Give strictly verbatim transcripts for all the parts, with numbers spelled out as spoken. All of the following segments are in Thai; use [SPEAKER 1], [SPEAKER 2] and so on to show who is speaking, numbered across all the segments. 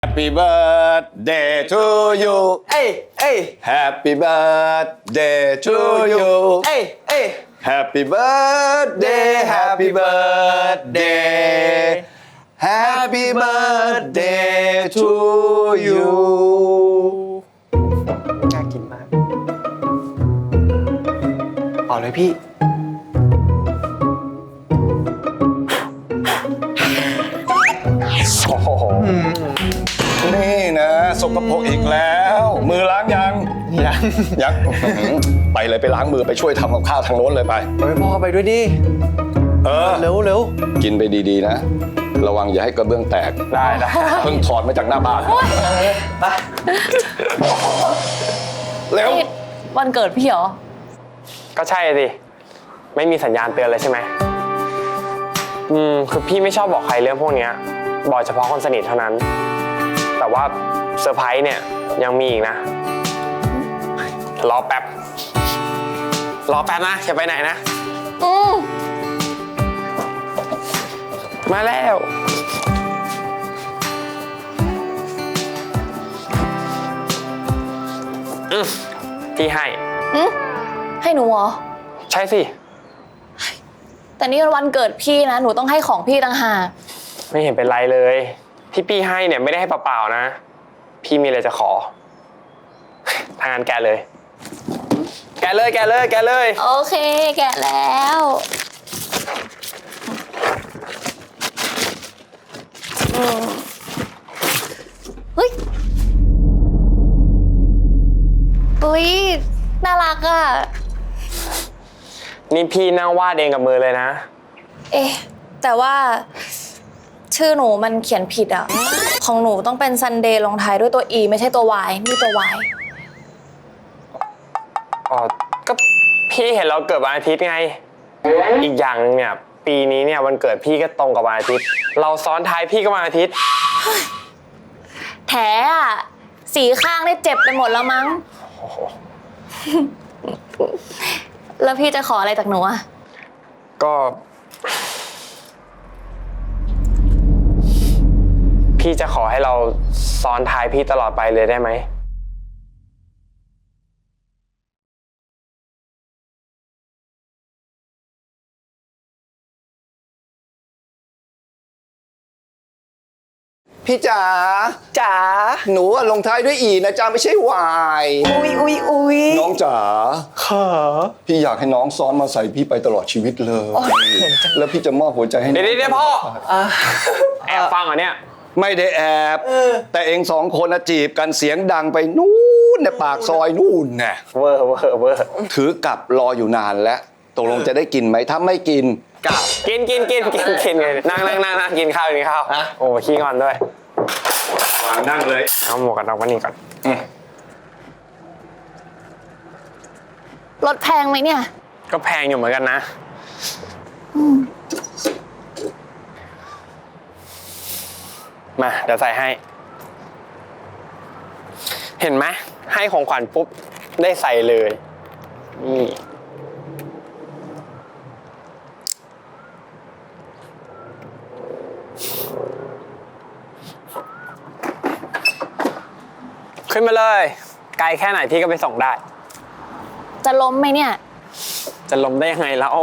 [SPEAKER 1] Happy birthday to you
[SPEAKER 2] เอ้ยเอ้ย
[SPEAKER 1] Happy birthday to you
[SPEAKER 2] เอ้ยเอ้ย
[SPEAKER 1] Happy birthday Happy birthday Happy birthday to you
[SPEAKER 2] น่ากินมากเอาเลยพี่
[SPEAKER 1] โอ้โหนี่นะสกปรกอีกแล้ว มือล้างยัง
[SPEAKER 2] ยัง
[SPEAKER 1] ยังไปเลยไปล้างมือไปช่วยทำกับข้าวทางโน้นเลยไป
[SPEAKER 2] ไปพ่อไปด้วยดิ
[SPEAKER 1] เออ
[SPEAKER 2] เร็วเร็ว
[SPEAKER 1] กินไปดีๆนะ ระวังอย่าให้กระเบื้องแตก
[SPEAKER 2] ได้ได้
[SPEAKER 1] เพิ่งถอดมาจากหน้าบ้าน
[SPEAKER 2] ไป
[SPEAKER 1] เร็ว
[SPEAKER 3] นี่วันเกิดพี่เหรอ
[SPEAKER 4] ก็ใช่สิไม่มีสัญญาณเตือนเลยใช่ไหมอืมคือพี่ไม่ชอบบอกใครเรื่องพวกเนี้ยบอกเฉพาะคนสนิทเท่านั้น แต่ว่าเซอร์ไพรส์เนี่ยยังมีอีกนะรอแป๊บรอแป๊บนะอย่าไปไหนนะ
[SPEAKER 3] อืม
[SPEAKER 4] มาแล้วอืมพี่ให้
[SPEAKER 3] อืมให้หนูเหรอ
[SPEAKER 4] ใช่สิ
[SPEAKER 3] แต่นี่มันวันเกิดพี่นะ หนูต้องให้ของพี่ต่างหาก
[SPEAKER 4] ไม่เห็นเป็นไรเลยที่พี่ให้เนี่ยไม่ได้ให้เปล่าๆนะพี่มีอะไรจะขอทางานแกเลย แกเลยแกเลยแกเลย
[SPEAKER 3] โอเค แกะแล้วอืมเฮ้ยอุ้ยน่ารักอ่ะ
[SPEAKER 4] นี่พี่นั่งวาดเองกับมือเลยนะ
[SPEAKER 3] เอ๊ะ แต่ว่า ชื่อหนูมันเขียนผิดอ่ะ ของหนูต้องเป็นซันเดย์ลงท้ายด้วยตัว E ไม่ใช่ตัว Y นี่ตัว Y
[SPEAKER 4] อ๋อ ก็พี่เห็นเราเกิดวันอาทิตย์ไง อีกอย่างนึงเนี่ยปีนี้เนี่ยวันเกิดพี่ก็ตรงกับวันอาทิตย์ เราซ้อนท้ายพี่ก็วันอาทิตย์
[SPEAKER 3] แถอ่ะ สีข้างได้เจ็บไปหมดแล้วมั้ง แล้วพี่จะขออะไรจากหนูอ่ะ
[SPEAKER 4] ก็ พี่จะขอให้เราซ้อนท้ายพี่ตลอดไปเลยได้ไหม
[SPEAKER 1] พี่จ๋า
[SPEAKER 2] จ๋า
[SPEAKER 1] หนูอะลงท้ายด้วยอีนะจ๊ะไม่ใช่วาย
[SPEAKER 2] อุ้ยอุ้ยอุ้ย
[SPEAKER 1] น้องจ๋า
[SPEAKER 2] ขา
[SPEAKER 1] พี่อยากให้น้องซ้อนมาใส่พี่ไปตลอดชีวิตเลย แล้วพี่จะมอบหัวใจให้น้
[SPEAKER 4] เดี๋
[SPEAKER 1] อ
[SPEAKER 4] ยว
[SPEAKER 1] ง
[SPEAKER 4] เดี๋ยวพ่อแอบฟังเหรอเนี่ย
[SPEAKER 1] ไม่ได้แอบ แต่เองสองคนน่ะจีบกันเสียงดังไปนู่นในปากซอยนู่นน่ะ
[SPEAKER 4] เวอร์เวอร์เวอร์
[SPEAKER 1] ถือกลับรออยู่นานแล้วตกลงจะได้กินไหมถ้าไม่กินกลับ
[SPEAKER 4] กินกินกินกินกินเลยนั่งนั่งนั่งนั่งกินข้าวกินข้าวโอ้ขี้งอนด้วย
[SPEAKER 1] วางนั่งเลย
[SPEAKER 4] เอาหมวกกันน็อกมานี่ก่อน
[SPEAKER 3] รถแพงไหมเนี่ย
[SPEAKER 4] ก็แพงอยู่เหมือนกันนะมาเดี๋ยวใส่ให้ เห็นไหมให้ของขวัญปุ๊บได้ใส่เลยนี่ขึ้นมาเลย ไกลแค่ไหนพี่ก็ไปส่งได้
[SPEAKER 3] จะล้มไหมเนี่ย
[SPEAKER 4] จะล้มได้ยังไงแล้ว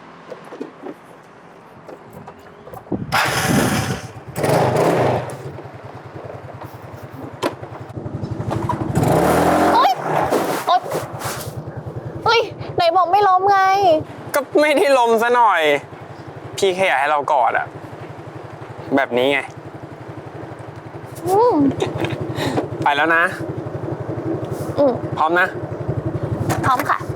[SPEAKER 3] เฮ้ยโอ๊ยเฮ้ย ไหนบอกไม่ล้มไง
[SPEAKER 4] ก็ไม่ได้ล้มซะหน่อย พี่แค่อยากให้เรากอดอะแบบนี้ไง
[SPEAKER 3] อืม
[SPEAKER 4] ไปแล้วนะ
[SPEAKER 3] อืม
[SPEAKER 4] พร้อมนะ
[SPEAKER 3] พร้อมค่ะ